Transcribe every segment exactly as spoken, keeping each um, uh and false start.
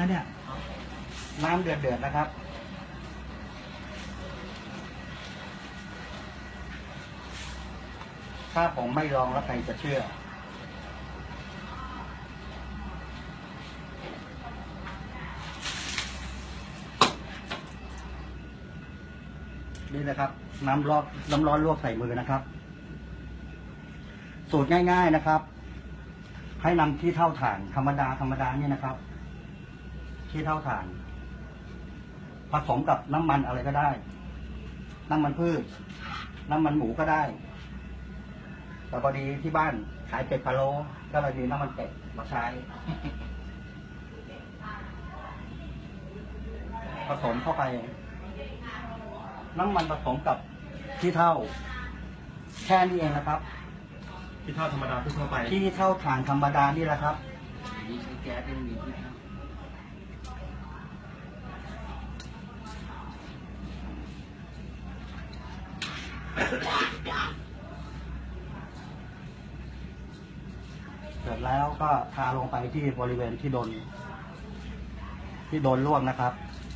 นะเนี่ยน้ำเดือดเดือดนะครับถ้าผมไม่ลองแล้วใครจะเชื่อนี่นะครับน้ำร้อนน้ำร้อนลวกใส่มือนะครับสูตรง่ายๆนะครับให้นำที่เท่าถ่านธรรมดาธรรมดานี่นะครับที่เท่าถ่านผสมกับน้ำมันอะไรก็ได้น้ำมันพืชน้ำมันหมูก็ได้แต่พอดีที่บ้านขายเป็ดพะโล้ก็เลยมีน้ำมันเป็ดมาใช้ผสมเข้าไปน้ำมันผสมกับที่เท่าแค่นี้เองนะครับที่เท่าธรรมดาทั่วไปที่เท่าถ่านธรรมดานี่แหละครับนี่ใช้แก๊สเป็นมีที่เท่าเสร็จแล้วก็ทาลงไปที่บริเวณที่โดนที่โดนลวกนะครับ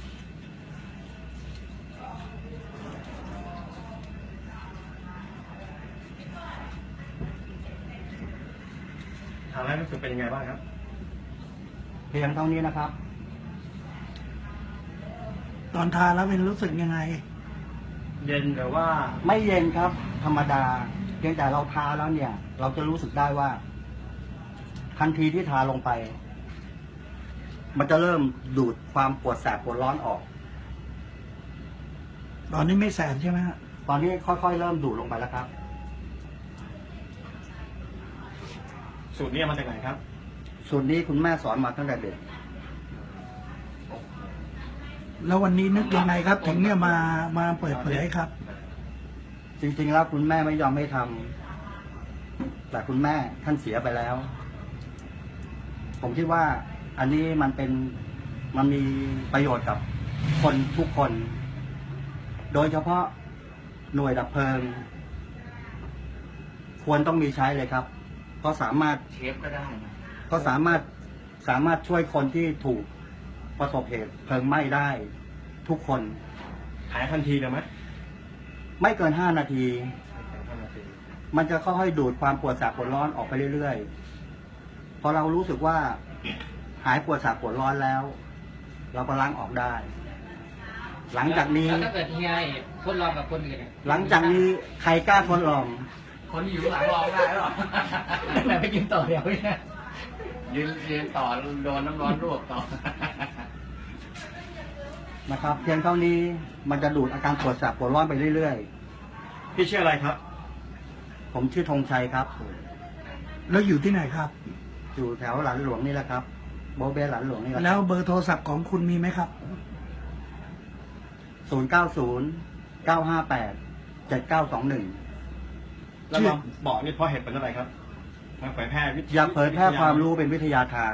ทานแล้วรู้สึกเป็นยังไงบ้างครับเพียงเท่านี้นะครับตอนทานแล้วเป็นรู้สึกยังไงเย็นหรือว่าไม่เย็นครับ ธรรมดาเพียงแต่เราทาแล้วเนี่ย เราจะรู้สึกได้ว่า ทันทีที่ทาลงไป มันจะเริ่มดูดความปวดแสบปวดร้อนออกตอนนี้ไม่แสบใช่ไหมฮะตอนนี้ค่อยๆเริ่มดูดลงไปแล้วครับสูตรนี้มาจากไหนครับสูตรนี้คุณแม่สอนมาตั้งแต่เด็กแล้ววันนี้นึกยังไงครับ ถึงเนี่ยมามาเปิดเผยครับจริงๆแล้วคุณแม่ไม่ยอมให้ทำแต่คุณแม่ท่านเสียไปแล้ว ผมคิดว่าอันนี้มันเป็นมันมีประโยชน์กับคนทุกคน โดยเฉพาะหน่วยดับเพลิง ควรต้องมีใช้เลยครับเพราะสามารถเชฟก็ได้นะก็สามารถสามารถช่วยคนที่ถูกประสบเหตุเพลิงไหม้ได้ ทุกคนหายทันทีเลยไหมไม่เกินห้านาทีห้านาทีมันจะค่อยๆดูดความปวดแสบปวดร้อนออกไปเรื่อยๆพอเรารู้สึกว่าหายปวดแสบปวดร้อนแล้ว เราก็ล้างออกได้ หลังจากนี้แล้วถ้าเกิดเฮียทดลองกับคนอื่นหลังจากนี้ใครกล้าทดลองคนที่อยู่หลังลองได้หรอแต่ไปกินต่อเดี๋ยวเนี่ยยืนยืนต่อโดนน้ำร้อนลวกต่อนะครับเพียงเท่านี้มันจะดูดอาการปวดแสบปวดร้อนไปเรื่อยๆพี่ชื่ออะไรครับผมชื่อธงชัยครับแล้วอยู่ที่ไหนครับอยู่แถวหลันหลวงนี่แหละครับโบเบหลันหลวงนี่แหละแล้วเบอร์โทรศัพท์ของคุณมีไหมครับศูนย์เก้าศูนย์เก้าห้าแปดเจ็ดเก้าสองหนึ่งแล้วเราบอกนี่เพราะเหตุเป็นอะไรครับมาเผยแพร่วิทยาเผยแพร่ความรู้เป็นวิทยาทาน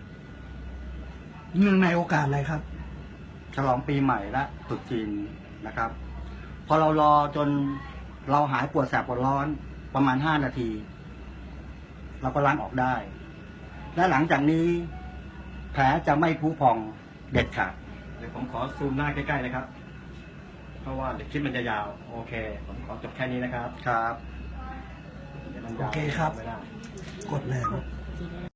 เนื่องในโอกาสอะไรครับฉลองปีใหม่และตรุษจีนนะครับ พอเรารอจนเราหายปวดแสบปวดร้อนประมาณห้านาที เราก็ล้างออกได้ และหลังจากนี้แผลจะไม่พุพองเด็ดขาดเดี๋ยวผมขอซูมหน้าใกล้ๆนะครับเพราะว่าเดี๋ยวคลิปมันจะยาวโอเคผมขอจบแค่นี้นะครับครับโอเคครับกดเลย